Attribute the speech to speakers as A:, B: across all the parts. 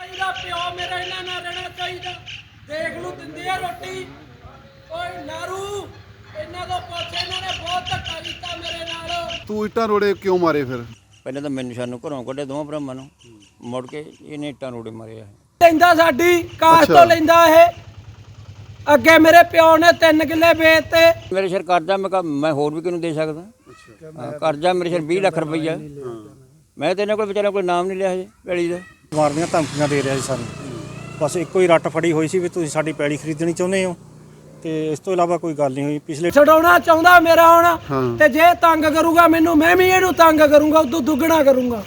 A: ਚਾਹੀਦਾ, ਪਿਓ ਮੇਰਾ ਇਹਨਾਂ ਨਾਲ ਰਹਿਣਾ ਚਾਹੀਦਾ। ਦੇਖ ਲੂ ਦਿੰਦੇ ਆ ਰੋਟੀ। ਓਏ ਨਾਰੂ ਇਹਨਾਂ ਤੋਂ ਪੁੱਛ, ਇਹਨਾਂ ਨੇ ਬਹੁਤ ਧੱਕਾ ਕੀਤਾ ਮੇਰੇ ਨਾਲ।
B: ਤੂੰ ਇੱਟਾਂ ਰੋੜੇ ਕਿਉਂ ਮਾਰੇ ਫਿਰ?
C: ਪਹਿਲਾਂ ਤਾਂ ਮੈਨੂੰ ਸਾਨੂੰ ਘਰੋਂ ਕੱਢਿਆ ਦੋਵਾਂ ਭਰਾਵਾਂ ਨੂੰ, ਮੁੜ ਕੇ ਇਹਨੇ ਇੱਟਾਂ ਰੋੜੇ ਮਾਰੇ ਆ।
A: ਲੈਂਦਾ ਸਾਡੀ ਕਾਸ਼ ਤੋਂ ਲੈਂਦਾ ਇਹ। ਅੱਗੇ ਮੇਰੇ ਪਿਓ ਨੇ 3 ਕਿੱਲੇ ਵੇਚਤੇ। ਮੇਰੇ
C: ਸਿਰ ਕਰਜ਼ਾ, ਮੈਂ ਕਿਹਾ ਮੈਂ ਹੋਰ ਵੀ ਕਿਹਨੂੰ ਦੇ ਸਕਦਾ। ਕਰਜ਼ਾ ਮੇਰੇ ਸਿਰ 20 ਲੱਖ ਰੁਪਈਆ। ਮੈਂ ਤੇ ਇਹਨਾਂ ਕੋਲ ਵਿਚਾਰਿਆਂ ਕੋਲ ਨਾਮ ਨਹੀਂ ਲਿਆ ਹਜੇ ਪੈਲੀ ਦਾ।
D: ਮਾਰਨੀਆਂ ਧਮਕੀਆਂ ਦੇ ਰਿਹਾ ਸੀ ਸਾਨੂੰ। ਬਸ ਇੱਕੋ ਹੀ ਰੱਟ ਫੜੀ ਹੋਈ ਸੀ ਵੀ ਤੁਸੀਂ ਸਾਡੀ ਪੈਲੀ ਖਰੀਦਣੀ ਚਾਹੁੰਦੇ ਹੋ, ਤੇ ਇਸ ਤੋਂ ਇਲਾਵਾ ਕੋਈ ਗੱਲ ਨਹੀਂ ਹੋਈ। ਪਿਛਲੇ
A: ਛਡਾਉਣਾ ਚਾਹੁੰਦਾ ਮੇਰਾ ਹੁਣ, ਤੇ ਜੇ ਤੰਗ ਕਰੂਗਾ ਮੈਨੂੰ, ਮੈਂ ਵੀ ਇਹਨੂੰ ਤੰਗ ਕਰੂੰਗਾ, ਉਦੋਂ ਦੁੱਗਣਾ ਕਰੂੰਗਾ।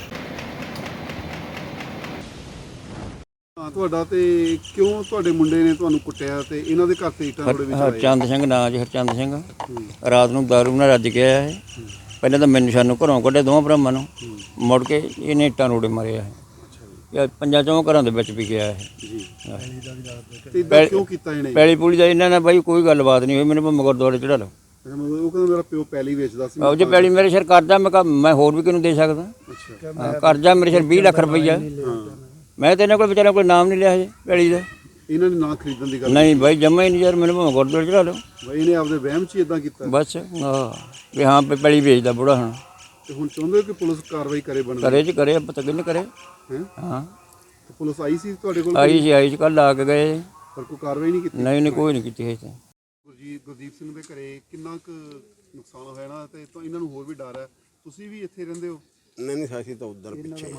B: ਤੁਹਾਡਾ ਤੇ ਕਿਉਂ ਤੁਹਾਡੇ ਮੁੰਡੇ ਨੇ ਤੁਹਾਨੂੰ ਕੁੱਟਿਆ ਤੇ ਇਹਨਾਂ ਦੇ ਘਰ ਤੇ ਇੱਟਾਂ ਰੋੜੇ ਵਿੱਚ ਆਏ?
C: ਹਰਚੰਦ ਸਿੰਘ ਨਾਂ ਜੀ, ਹਰਚੰਦ ਸਿੰਘ। ਰਾਤ ਨੂੰ ਦਾਰੂ ਨਾਲ ਰੱਜ ਕੇ ਆਇਆ ਇਹ। ਪਹਿਲਾਂ ਤਾਂ ਮੈਨੂੰ ਸਾਨੂੰ ਘਰੋਂ ਕੱਢਿਆ ਦੋਵਾਂ ਭਰਾਵਾਂ ਨੂੰ, ਮੁੜ ਕੇ ਇਹਨੇ ਇੱਟਾਂ ਰੋੜੇ ਮਾਰੇ ਆ। ਇਹ 5-4 ਘਰਾਂ ਦੇ ਵਿੱਚ ਵੀ ਗਿਆ ਇਹ।
B: ਤੇ ਇਦਾਂ ਕਿਉਂ ਕੀਤਾ ਇਹਨੇ?
C: ਪੈਲੀ ਪੂਲੀ ਦਾ ਇਹਨਾਂ ਨਾਲ ਬਾਈ ਕੋਈ ਗੱਲਬਾਤ ਨਹੀਂ ਹੋਈ। ਮੈਨੂੰ ਭਾਵੇਂ ਗੁਰਦੁਆਰੇ ਚੜਾ ਲਓ।
B: ਉਹ ਕਹਿੰਦਾ ਮੇਰਾ ਪਿਓ ਪੈਲੀ ਵੇਚਦਾ ਸੀ।
C: ਉਹ ਜੇ ਪੈਲੀ ਮੇਰੇ ਸਿਰ ਕਰਜ਼ਾ, ਮੈਂ ਕਿਹਾ ਮੈਂ ਹੋਰ ਵੀ ਕਿਹਨੂੰ ਦੇ ਸਕਦਾ। ਕਰਜ਼ਾ ਮੇਰੇ ਸਿਰ 20 ਲੱਖ ਰੁਪਈਆ। ਮੈਂ ਤੇ ਇਹਨਾਂ ਕੋਲ ਵਿਚਾਰਿਆਂ ਕੋਲ ਨਾਮ ਨਹੀਂ ਲਿਆ ਹਜੇ ਪੈਲੀ ਦਾ।
B: ਇਹਨਾਂ ਨੇ ਨਾ ਖਰੀਦਣ ਦੀ ਗੱਲ
C: ਨਹੀਂ ਬਾਈ, ਜਮਾ ਹੀ ਨਹੀਂ ਯਾਰ। ਮੈਨੂੰ ਭਾਵੇਂ ਗੁਰਦੁਆਰੇ ਚੜਾ ਲਓ।
B: ਬਾਈ ਇਹਨੇ ਆਪਦੇ ਵਹਿਮ 'ਚ ਹੀ ਇਦਾਂ ਕੀਤਾ
C: ਬਸ ਵੀ ਹਾਂ ਪੈਲੀ ਵੇਚਦਾ ਬੁੜਾ ਹੁਣ।
B: ਤੇ ਹੁਣ ਚਾਹੁੰਦੇ ਹੋ ਕਿ ਪੁਲਿਸ ਕਾਰਵਾਈ ਕਰੇ? ਬਣ
C: ਕਰੇ ਜੀ, ਕਰੇ, ਪਤਾ ਕਿੰਨੇ ਕਰੇ। ਹਾਂ
B: ਪੁਲਿਸ ਆਈ ਸੀ ਤੁਹਾਡੇ ਕੋਲ?
C: ਆਈ ਸੀ ਕੱਲ ਆ ਕੇ ਗਏ,
B: ਪਰ ਕੋਈ ਕਾਰਵਾਈ ਨਹੀਂ ਕੀਤੀ?
C: ਨਹੀਂ ਕੋਈ ਨਹੀਂ ਕੀਤੀ ਹੈ।
B: ਗੁਰਦੀਪ ਸਿੰਘ ਦੇ ਘਰੇ ਕਿੰਨਾ ਕੁ ਨੁਕਸਾਨ ਹੋਇਆ ਨਾ, ਤੇ ਇਹਨਾਂ ਨੂੰ ਹੋਰ ਵੀ ਡਰ ਹੈ। ਤੁਸੀਂ ਵੀ ਇੱਥੇ ਰਹਿੰਦੇ ਹੋ?
E: ਨਹੀਂ ਸਾਸੀ ਤਾਂ ਉਧਰ ਪਿੱਛੇ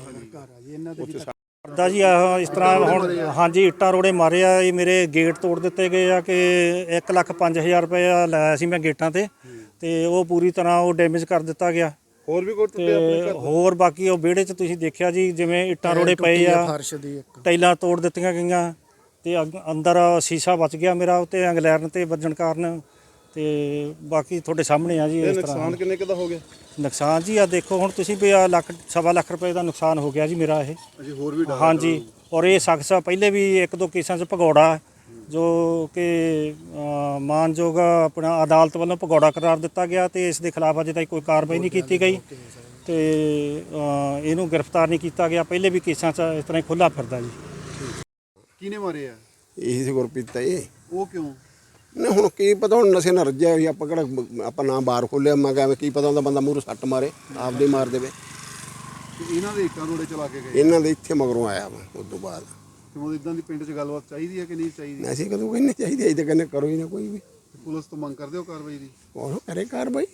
D: ਕਰਦਾ ਜੀ। ਇਸ ਤਰ੍ਹਾਂ ਹੁਣ ਹਾਂਜੀ ਇੱਟਾਂ ਰੋੜੇ ਮਾਰੇ ਆ। ਇਹ ਮੇਰੇ ਗੇਟ ਤੋੜ ਦਿੱਤੇ ਗਏ ਆ ਕਿ 1,05,000 ਰੁਪਇਆ ਲਾਇਆ ਸੀ ਮੈਂ ਗੇਟਾਂ ਤੇ ਉਹ ਪੂਰੀ ਤਰ੍ਹਾਂ ਉਹ ਡੈਮੇਜ ਕਰ ਦਿੱਤਾ ਗਿਆ।
B: ਹੋਰ ਵੀ ਕੋਈ ਟੁੱਟੇ
D: ਆਪਣੇ ਘਰ? ਹੋਰ ਬਾਕੀ ਉਹ ਵਿਹੜੇ 'ਚ ਤੁਸੀਂ ਦੇਖਿਆ ਜੀ, ਜਿਵੇਂ ਇੱਟਾਂ ਰੋੜੇ ਪਏ ਆ, ਟਾਈਲਾਂ ਤੋੜ ਦਿੱਤੀਆਂ ਗਈਆਂ, ਤੇ ਅੰਦਰ ਸ਼ੀਸ਼ਾ ਬਚ ਗਿਆ ਮੇਰਾ ਉੱਤੇ ਇੰਗਲੈਰਨ ਤੇ ਵੱਜਣ ਕਾਰਨ। ਤੇ ਬਾਕੀ ਤੁਹਾਡੇ ਸਾਹਮਣੇ ਆ ਜੀ। ਇਸ ਤਰ੍ਹਾਂ
B: ਨੁਕਸਾਨ ਕਿੰਨੇ ਕੁ ਦਾ ਹੋ ਗਿਆ?
D: ਨੁਕਸਾਨ ਜੀ ਆ ਦੇਖੋ ਹੁਣ ਤੁਸੀਂ ਵੀ ਆ ਲੱਖ ਸਵਾ ਲੱਖ ਰੁਪਏ ਦਾ ਨੁਕਸਾਨ ਹੋ ਗਿਆ ਜੀ ਮੇਰਾ ਇਹ।
B: ਅਜੇ ਹੋਰ ਵੀ ਡਰ?
D: ਹਾਂਜੀ, ਔਰ ਇਹ ਸ਼ਖਸ ਪਹਿਲੇ ਵੀ 1-2 ਕੇਸਾਂ 'ਚ ਭਗੌੜਾ, ਜੋ ਕਿ ਮਾਨਯੋਗ ਆਪਣਾ ਅਦਾਲਤ ਵੱਲੋਂ ਭਗੌੜਾ ਕਰਾਰ ਦਿੱਤਾ ਗਿਆ, ਤੇ ਇਸ ਦੇ ਖਿਲਾਫ ਅਜੇ ਤੱਕ ਕੋਈ ਕਾਰਵਾਈ ਨਹੀਂ ਕੀਤੀ ਗਈ, ਤੇ ਇਹਨੂੰ ਗ੍ਰਿਫਤਾਰ ਨਹੀਂ ਕੀਤਾ ਗਿਆ। ਪਹਿਲੇ ਵੀ ਕੇਸਾਂ 'ਚ ਇਸ ਤਰ੍ਹਾਂ ਹੀ ਖੁੱਲ੍ਹਾ ਫਿਰਦਾ ਜੀ।
B: ਕਿਹਨੇ ਮਾਰੇ ਆ?
E: ਇਹੀ ਸੀ ਗੁਰਪ੍ਰੀਤ ਇਹ।
B: ਉਹ ਕਿਉਂ?
E: ਨਹੀਂ ਹੁਣ ਕੀ ਪਤਾ, ਹੁਣ ਨਸ਼ੇ ਨਾਲ ਰੱਜਿਆ ਹੋਈ। ਆਪਾਂ ਕਿਹੜਾ ਆਪਾਂ ਨਾ ਬਾਹਰ ਖੋਲਿਆ। ਮੈਂ ਕਿਹਾ ਕੀ ਪਤਾ ਹੁੰਦਾ ਬੰਦਾ ਮੂਹਰੇ ਸੱਟ ਮਾਰੇ, ਆਪਦੇ ਮਾਰ ਦੇਵੇ।
B: ਇਹਨਾਂ ਦੇ ਇੱਟਾਂ ਰੋੜੇ ਚਲਾ ਕੇ ਗਏ?
E: ਇਹਨਾਂ ਦੇ ਇੱਥੇ ਮਗਰੋਂ ਆਇਆ ਵਾ ਉਸ ਤੋਂ ਬਾਅਦ।
B: ਕਿਉਂ ਇਦਾਂ ਦੀ ਪਿੰਡ 'ਚ ਗੱਲਬਾਤ ਚਾਹੀਦੀ ਹੈ ਕਿ ਨਹੀਂ ਚਾਹੀਦੀ?
E: ਅਸੀਂ ਕਦੋਂ ਕਹਿੰਦੇ ਚਾਹੀਦੀ, ਅਸੀਂ ਤਾਂ ਕਹਿੰਦੇ ਕਰੋ ਹੀ ਨਾ ਕੋਈ ਵੀ।
B: ਪੁਲਿਸ ਤੋਂ ਮੰਗ ਕਰਦੇ ਹੋ ਕਾਰਵਾਈ ਦੀ?
E: ਉਹ ਕਰੇ ਕਾਰਵਾਈ।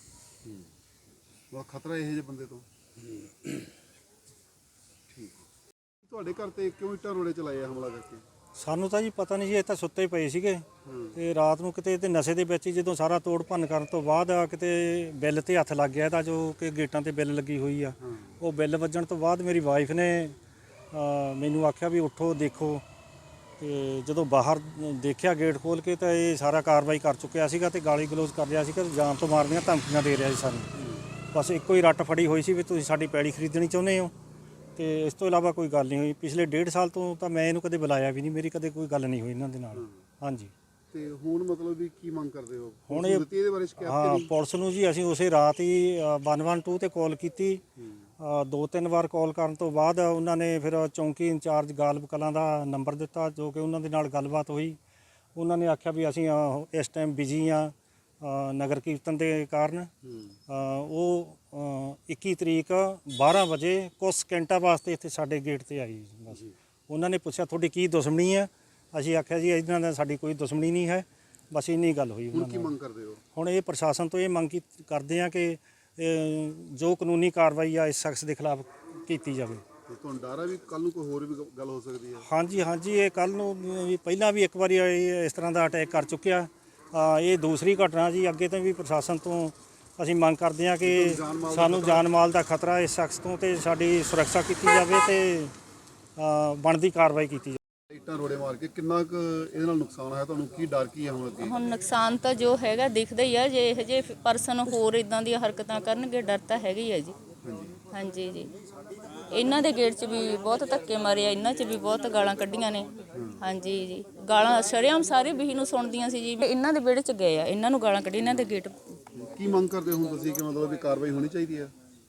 B: ਬਹੁਤ ਖਤਰਾ ਇਹੋ ਜਿਹੇ ਬੰਦੇ ਤੋਂ। ਠੀਕ। ਤੁਹਾਡੇ ਘਰ ਤੇ ਕਿਉਂ ਇੱਟਾਂ ਰੋੜੇ ਚਲਾਏ ਆ ਹਮਲਾ ਕਰਕੇ?
D: ਸਾਨੂੰ ਤਾਂ ਜੀ ਪਤਾ ਨਹੀਂ ਜੀ, ਇਹ ਤਾਂ ਸੁੱਤੇ ਪਏ ਸੀਗੇ, ਤੇ ਰਾਤ ਨੂੰ ਕਿਤੇ ਤੇ ਨਸ਼ੇ ਦੇ ਵਿੱਚ ਹੀ ਜਦੋਂ ਸਾਰਾ ਤੋੜ ਭੰਨ ਕਰਨ ਤੋਂ ਬਾਅਦ ਕਿਤੇ ਬਿੱਲ ਤੇ ਹੱਥ ਲੱਗ ਗਿਆ ਇਹਦਾ, ਜੋ ਕਿ ਗੇਟਾਂ ਤੇ ਬਿੱਲ ਲੱਗੀ ਹੋਈ ਆ। ਉਹ ਬਿੱਲ ਵੱਜਣ ਤੋਂ ਬਾਅਦ ਮੇਰੀ ਵਾਈਫ ਨੇ ਮੈਨੂੰ ਆਖਿਆ ਵੀ ਉੱਠੋ ਦੇਖੋ, ਤੇ ਜਦੋਂ ਬਾਹਰ ਦੇਖਿਆ ਗੇਟ ਖੋਲ੍ਹ ਕੇ ਤਾਂ ਇਹ ਸਾਰਾ ਕਾਰਵਾਈ ਕਰ ਚੁੱਕਿਆ ਸੀਗਾ, ਤੇ ਗਾਲੀ ਗਲੋਚ ਕਰ ਰਿਹਾ ਸੀਗਾ, ਜਾਨ ਤੋਂ ਮਾਰਨੀਆਂ ਧਮਕੀਆਂ ਦੇ ਰਿਹਾ ਸੀ ਸਾਨੂੰ। ਬਸ ਇੱਕੋ ਹੀ ਰੱਟ ਫੜੀ ਹੋਈ ਸੀ ਵੀ ਤੁਸੀਂ ਸਾਡੀ ਪੈਲੀ ਖਰੀਦਣੀ ਚਾਹੁੰਦੇ ਹੋ, ਤੇ ਇਸ ਤੋਂ ਇਲਾਵਾ ਕੋਈ ਗੱਲ ਨਹੀਂ ਹੋਈ। ਪਿਛਲੇ 1.5 ਸਾਲ ਤੋਂ ਤਾਂ ਮੈਂ ਇਹਨੂੰ ਕਦੇ ਬੁਲਾਇਆ ਵੀ ਨਹੀਂ, ਮੇਰੀ ਕਦੇ ਕੋਈ ਗੱਲ ਨਹੀਂ ਹੋਈ ਇਹਨਾਂ ਦੇ ਨਾਲ। ਹਾਂਜੀ। ਤੇ
B: ਹੁਣ ਮਤਲਬ ਵੀ ਕੀ ਮੰਗ ਕਰਦੇ ਹੋ?
D: ਹੁਣ ਇਹਦੇ ਬਾਰੇ ਸ਼ਿਕਾਇਤ ਹਾਂ ਪੁਲਿਸ ਨੂੰ ਜੀ। ਅਸੀਂ ਉਸੇ ਰਾਤ ਹੀ 112 ਤੇ ਕਾਲ ਕੀਤੀ। 2-3 ਵਾਰ ਕਾਲ ਕਰਨ ਤੋਂ ਬਾਅਦ ਉਹਨਾਂ ਨੇ ਫਿਰ ਚੌਂਕੀ ਇੰਚਾਰਜ ਗਾਲਬ ਕਲਾਂ ਦਾ ਨੰਬਰ ਦਿੱਤਾ, ਜੋ ਕਿ ਉਹਨਾਂ ਦੇ ਨਾਲ ਗੱਲਬਾਤ ਹੋਈ। ਉਹਨਾਂ ਨੇ ਆਖਿਆ ਵੀ ਅਸੀਂ ਇਸ ਟਾਈਮ ਬਿਜ਼ੀ ਆ ਨਗਰ ਕੀਰਤਨ ਦੇ ਕਾਰਨ। ਉਹ 21 ਤਰੀਕ 12 ਵਜੇ ਕੁਝ ਸਕਿੰਟਾਂ ਵਾਸਤੇ ਇੱਥੇ ਸਾਡੇ ਗੇਟ ਤੇ ਆਈ। ਬਸ ਉਹਨਾਂ ਨੇ ਪੁੱਛਿਆ ਤੁਹਾਡੀ ਕੀ ਦੁਸ਼ਮਣੀ ਹੈ? ਅਸੀਂ ਆਖਿਆ ਜੀ ਇਹਨਾਂ ਨਾਲ ਸਾਡੀ ਕੋਈ ਦੁਸ਼ਮਣੀ ਨਹੀਂ ਹੈ, ਬਸ ਇੰਨੀ ਗੱਲ ਹੋਈ।
B: ਹੁਣ ਕੀ ਮੰਗ ਕਰਦੇ ਹੋ?
D: ਹੁਣ ਇਹ ਪ੍ਰਸ਼ਾਸਨ ਤੋਂ ਇਹ ਮੰਗ ਕਰਦੇ ਆ ਕਿ ਜੋ ਕਾਨੂੰਨੀ ਕਾਰਵਾਈ ਆ ਇਸ ਸ਼ਖਸ ਦੇ ਖਿਲਾਫ ਕੀਤੀ ਜਾਵੇ।
B: ਤੁਹਾਨੂੰ ਡਰ ਹੈ ਵੀ ਕੱਲ ਨੂੰ ਕੋਈ ਹੋਰ ਵੀ ਗੱਲ ਹੋ ਸਕਦੀ ਹੈ?
D: ਹਾਂਜੀ, ਇਹ ਕੱਲ ਨੂੰ ਵੀ ਪਹਿਲਾਂ ਵੀ ਇੱਕ ਵਾਰੀ ਇਸ ਤਰ੍ਹਾਂ ਦਾ ਅਟੈਕ ਕਰ ਚੁੱਕਿਆ। ਇਹ ਦੂਸਰੀ ਘਟਨਾ ਜੀ। ਅੱਗੇ ਤੋਂ ਵੀ ਪ੍ਰਸ਼ਾਸਨ ਤੋਂ ਅਸੀਂ ਮੰਗ ਕਰਦੇ ਹਾਂ ਕਿ ਸਾਨੂੰ ਜਾਨ ਮਾਲ ਦਾ ਖਤਰਾ ਇਸ ਸ਼ਖਸ ਤੋਂ, ਤੇ ਸਾਡੀ ਸੁਰੱਖਿਆ ਕੀਤੀ ਜਾਵੇ, ਤੇ ਬਣਦੀ ਕਾਰਵਾਈ ਕੀਤੀ ਜਾਵੇ।
B: ਇੱਟਾਂ ਰੋੜੇ ਮਾਰ ਕੇ ਕਿੰਨਾ ਕੁ ਇਹਦੇ ਨਾਲ ਨੁਕਸਾਨ ਹੋਇਆ ਤੁਹਾਨੂੰ? ਕੀ ਡਰ ਕੀ ਹੈ ਹੁਣ ਅੱਗੇ?
F: ਹੁਣ ਨੁਕਸਾਨ ਤਾਂ ਜੋ ਹੈਗਾ ਦਿਖਦਾ ਹੀ ਆ। ਜੇ ਇਹੋ ਜਿਹੇ ਪਰਸਨ ਹੋਰ ਇਦਾਂ ਦੀਆਂ ਹਰਕਤਾਂ ਕਰਨਗੇ, ਡਰ ਤਾਂ ਹੈਗਾ ਹੀ ਆ ਜੀ। ਹਾਂਜੀ ਜੀ। ਇਹਨਾਂ ਦੇ ਗੇਟ 'ਚ ਵੀ ਬਹੁਤ ਧੱਕੇ ਮਾਰੇ ਆ, ਇਹਨਾਂ 'ਚ ਵੀ ਬਹੁਤ ਗਾਲਾਂ ਕੱਢੀਆਂ ਨੇ। ਹਾਂਜੀ ਜੀ, ਗਾਲਾਂ ਸ਼ਰੇਆਮ ਸਾਰੇ ਬਹੀ ਨੂੰ ਸੁਣਦੀਆਂ ਸੀ ਜੀ। ਇਹਨਾਂ ਦੇ ਵਿਹੜੇ 'ਚ ਗਏ ਆ, ਇਹਨਾਂ ਨੂੰ ਗਾਲਾਂ ਕੱਢੀ, ਇਹਨਾਂ ਦੇ ਗੇਟ।
B: ਕੀ ਮੰਗ ਕਰਦੇ ਹੋ ਤੁਸੀਂ ਕਿ ਮਤਲਬ ਵੀ ਕਾਰਵਾਈ ਹੋਣੀ ਚਾਹੀਦੀ ਹੈ?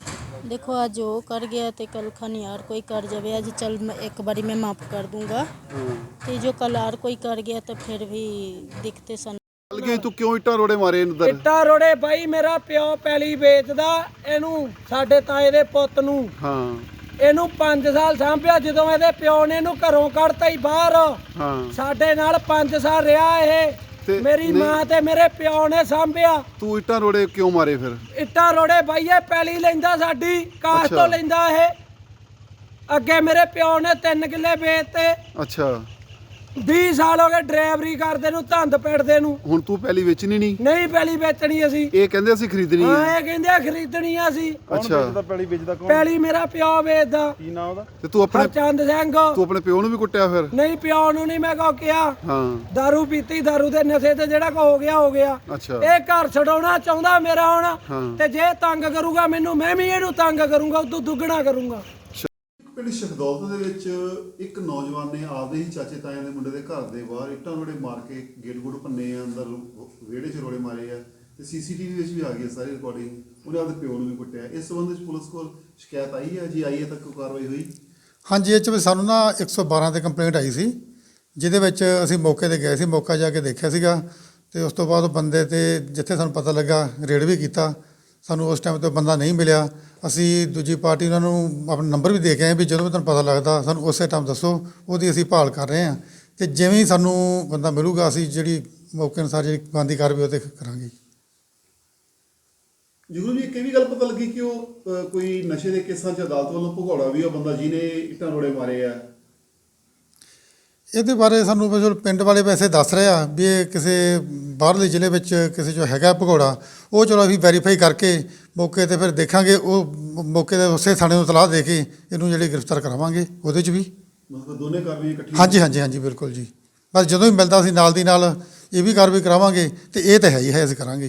G: देखो आज वो कर गया तो कल खनियार कोई कर जावे। आज चल मैं एक बारी मैं माफ कर दूंगा, तो जो कल और कोई कर गया तो फिर भी दिखते सन।
B: ਚੱਲ ਗਈ ਤੂੰ ਕਿਉਂ ਇੱਟਾਂ ਰੋੜੇ ਮਾਰੇ ਅੰਦਰ?
A: ਇੱਟਾਂ ਰੋੜੇ ਬਾਈ ਮੇਰਾ ਪਿਓ ਪੈਲੀ ਵੇਚਦਾ, ਇਹਨੂੰ ਸਾਡੇ ਤਾਏ ਦੇ ਪੁੱਤ ਨੂੰ
B: ਹਾਂ
A: ਇਹਨੂੰ 5 ਸਾਲ ਸਾਂਭਿਆ। ਜਦੋਂ ਇਹਦੇ ਪਿਓ ਨੇ ਇਹਨੂੰ ਘਰੋਂ ਕੱਢਤਾ ਹੀ ਬਾਹਰ,
B: ਹਾਂ
A: ਸਾਡੇ ਨਾਲ 5 ਸਾਲ ਰਿਹਾ ਇਹ।
B: ਤੇ
A: ਮੇਰੀ
B: ਨਹੀਂ-
A: ਮਾਂ ਤੇ ਮੇਰੇ ਪਿਓ ਨੇ ਸਾਂਭਿਆ।
B: ਤੂੰ ਇੱਟਾਂ ਰੋੜੇ ਕਿਉਂ ਮਾਰੇ ਫਿਰ?
A: ਇੱਟਾਂ ਰੋੜੇ ਬਾਈ ਇਹ ਪੈਲੀ ਲੈਂਦਾ ਸਾਡੀ ਕਾਸ਼
B: ਅੱਛਾ।
A: ਤੋਂ ਲੈਂਦਾ ਇਹ। ਅੱਗੇ ਮੇਰੇ ਪਿਓ ਨੇ 3 ਕਿੱਲੇ ਵੇਚਤੇ।
B: ਅੱਛਾ
A: 20 ਸਾਲ ਹੋ ਗਏ ਡਰਾਈਵਰੀ ਕਰਦੇ ਨੂੰ, ਧੰਦ ਪਿੜਦੇ ਨੂੰ।
B: ਹੁਣ ਤੂੰ ਪਹਿਲੀ ਵੇਚਣੀ ਨਹੀਂ?
A: ਨਹੀਂ ਪੈਲੀ ਵੇਚਣੀ ਅਸੀਂ।
B: ਇਹ ਕਹਿੰਦੇ ਅਸੀਂ ਖਰੀਦਣੀ ਹੈ।
A: ਹਾਂ ਇਹ ਕਹਿੰਦੇ ਆ ਖਰੀਦਣੀ ਆ ਅਸੀਂ।
B: ਅੱਛਾ
A: ਪੈਲੀ ਮੇਰਾ ਪਿਓ ਵੇਚਦਾ।
B: ਤੇ ਤੂੰ ਆਪਣੇ
A: ਹਰਚੰਦ ਸਿੰਘ।
B: ਤੂੰ ਆਪਣੇ ਪਿਓ ਨੂੰ ਵੀ ਕੁੱਟਿਆ ਫਿਰ?
A: ਨਹੀਂ ਪਿਓ ਨੂੰ ਨਹੀਂ ਮੈਂ ਕੋ ਕਿਹਾ।
B: ਹਾਂ
A: ਦਾਰੂ ਪੀਤੀ, ਦਾਰੂ ਦੇ ਨਸ਼ੇ ਤੇ ਜਿਹੜਾ ਕੋ ਹੋ ਗਿਆ ਹੋ ਗਿਆ।
B: ਅੱਛਾ
A: ਇਹ ਘਰ ਛਡਾਉਣਾ ਚਾਹੁੰਦਾ ਮੇਰਾ ਹੁਣ,
B: ਹਾਂ।
A: ਤੇ ਜੇ ਤੰਗ ਕਰੂਗਾ ਮੈਨੂੰ, ਮੈਂ ਵੀ ਇਹਨੂੰ ਤੰਗ ਕਰੂੰਗਾ, ਉਦੋਂ ਦੁੱਗਣਾ ਕਰੂੰਗਾ।
B: ਪਿੰਡ ਸ਼ਹਦੌਲਤ ਦੇ ਵਿੱਚ ਇੱਕ ਨੌਜਵਾਨ ਨੇ ਆਪਦੇ ਹੀ ਚਾਚੇ ਤਾਇਆਂ ਦੇ ਮੁੰਡੇ ਦੇ ਘਰ ਦੇ ਬਾਹਰ ਇੱਟਾਂ ਰੋੜੇ ਮਾਰ ਕੇ ਗੇਟ ਗੁੱਟ ਭੰਨੇ ਆ, ਅੰਦਰ ਵਿਹੜੇ 'ਚ ਰੋੜੇ ਮਾਰੇ ਆ, ਤੇ ਸੀਸੀਟੀਵੀ ਵਿੱਚ ਵੀ ਆ ਗਈ ਸਾਰੀ ਰਿਕਾਰਡਿੰਗ। ਉਹਨੇ ਆਪਦੇ ਪਿਓ ਨੂੰ ਵੀ ਕੁੱਟਿਆ। ਇਸ ਸੰਬੰਧ ਵਿੱਚ ਪੁਲਿਸ ਕੋਲ ਸ਼ਿਕਾਇਤ ਆਈ ਹੈ ਜੀ? ਆਈ ਹੈ ਤੱਕ ਕੋਈ ਕਾਰਵਾਈ ਹੋਈ?
H: ਹਾਂਜੀ, ਇਹ 'ਚ ਵੀ ਸਾਨੂੰ ਨਾ 112 ਤੇ ਕੰਪਲੇਂਟ ਆਈ ਸੀ, ਜਿਹਦੇ ਵਿੱਚ ਅਸੀਂ ਮੌਕੇ ਤੇ ਗਏ ਸੀ, ਮੌਕਾ ਜਾ ਕੇ ਦੇਖਿਆ ਸੀਗਾ। ਤੇ ਉਸ ਤੋਂ ਬਾਅਦ ਉਹ ਬੰਦੇ ਤੇ ਜਿੱਥੇ ਸਾਨੂੰ ਪਤਾ ਲੱਗਾ ਰੇਡ ਵੀ ਕੀਤਾ। ਸਾਨੂੰ ਉਸ ਟਾਈਮ ਤੇ ਬੰਦਾ ਨਹੀਂ ਮਿਲਿਆ। ਅਸੀਂ ਦੂਜੀ ਪਾਰਟੀ ਉਹਨਾਂ ਨੂੰ ਆਪਣਾ ਨੰਬਰ ਵੀ ਦੇ ਕੇ ਆਏ ਵੀ ਜਦੋਂ ਵੀ ਤੁਹਾਨੂੰ ਪਤਾ ਲੱਗਦਾ ਸਾਨੂੰ ਉਸੇ ਟਾਈਮ ਦੱਸੋ, ਉਹਦੀ ਅਸੀਂ ਭਾਲ ਕਰ ਰਹੇ ਹਾਂ। ਤੇ ਜਿਵੇਂ ਹੀ ਸਾਨੂੰ ਬੰਦਾ ਮਿਲੂਗਾ ਅਸੀਂ ਜਿਹੜੀ ਮੌਕੇ ਅਨੁਸਾਰ ਜਿਹੜੀ ਬਣਦੀ ਕਾਰਵਾਈ ਉਹ 'ਤੇ ਕਰਾਂਗੇ।
B: ਜ਼ਰੂਰ ਜੀ ਇੱਕ ਇਹ ਵੀ ਗੱਲ ਪਤਾ ਲੱਗੀ ਕਿ ਉਹ ਕੋਈ ਨਸ਼ੇ ਦੇ ਕੇਸਾਂ 'ਚ ਅਦਾਲਤ ਵੱਲੋਂ ਭਗੌੜਾ ਵੀ ਉਹ ਬੰਦਾ ਜਿਹਨੇ ਇੱਟਾਂ ਰੋੜੇ ਮਾਰੇ ਆ।
H: ਇਹਦੇ ਬਾਰੇ ਸਾਨੂੰ ਵੈਸੇ ਪਿੰਡ ਵਾਲੇ ਵੈਸੇ ਦੱਸ ਰਹੇ ਆ ਵੀ ਇਹ ਕਿਸੇ ਬਾਹਰਲੇ ਜ਼ਿਲ੍ਹੇ ਵਿੱਚ ਕਿਸੇ ਜੋ ਹੈਗਾ ਭਗੌੜਾ, ਉਹ ਚਲੋ ਅਸੀਂ ਵੈਰੀਫਾਈ ਕਰਕੇ ਮੌਕੇ 'ਤੇ ਫਿਰ ਦੇਖਾਂਗੇ। ਉਹ ਮੌਕੇ 'ਤੇ ਉਸੇ ਥਾਣੇ ਨੂੰ ਇਤਲਾਹ ਦੇ ਕੇ ਇਹਨੂੰ ਜਿਹੜੀ ਗ੍ਰਿਫਤਾਰ ਕਰਾਵਾਂਗੇ ਉਹਦੇ 'ਚ ਵੀ।
B: ਮਤਲਬ ਦੋਨੇ ਕਾਰਵਾਈਆਂ ਇਕੱਠੀਆਂ?
H: ਹਾਂਜੀ ਹਾਂਜੀ ਹਾਂਜੀ ਬਿਲਕੁਲ ਜੀ। ਬਸ ਜਦੋਂ ਵੀ ਮਿਲਦਾ ਅਸੀਂ ਨਾਲ ਦੀ ਨਾਲ ਇਹ ਵੀ ਕਾਰਵਾਈ ਕਰਾਵਾਂਗੇ। ਤੇ ਇਹ ਤਾਂ ਹੈ ਹੀ ਹੈ, ਅਸੀਂ ਕਰਾਂਗੇ।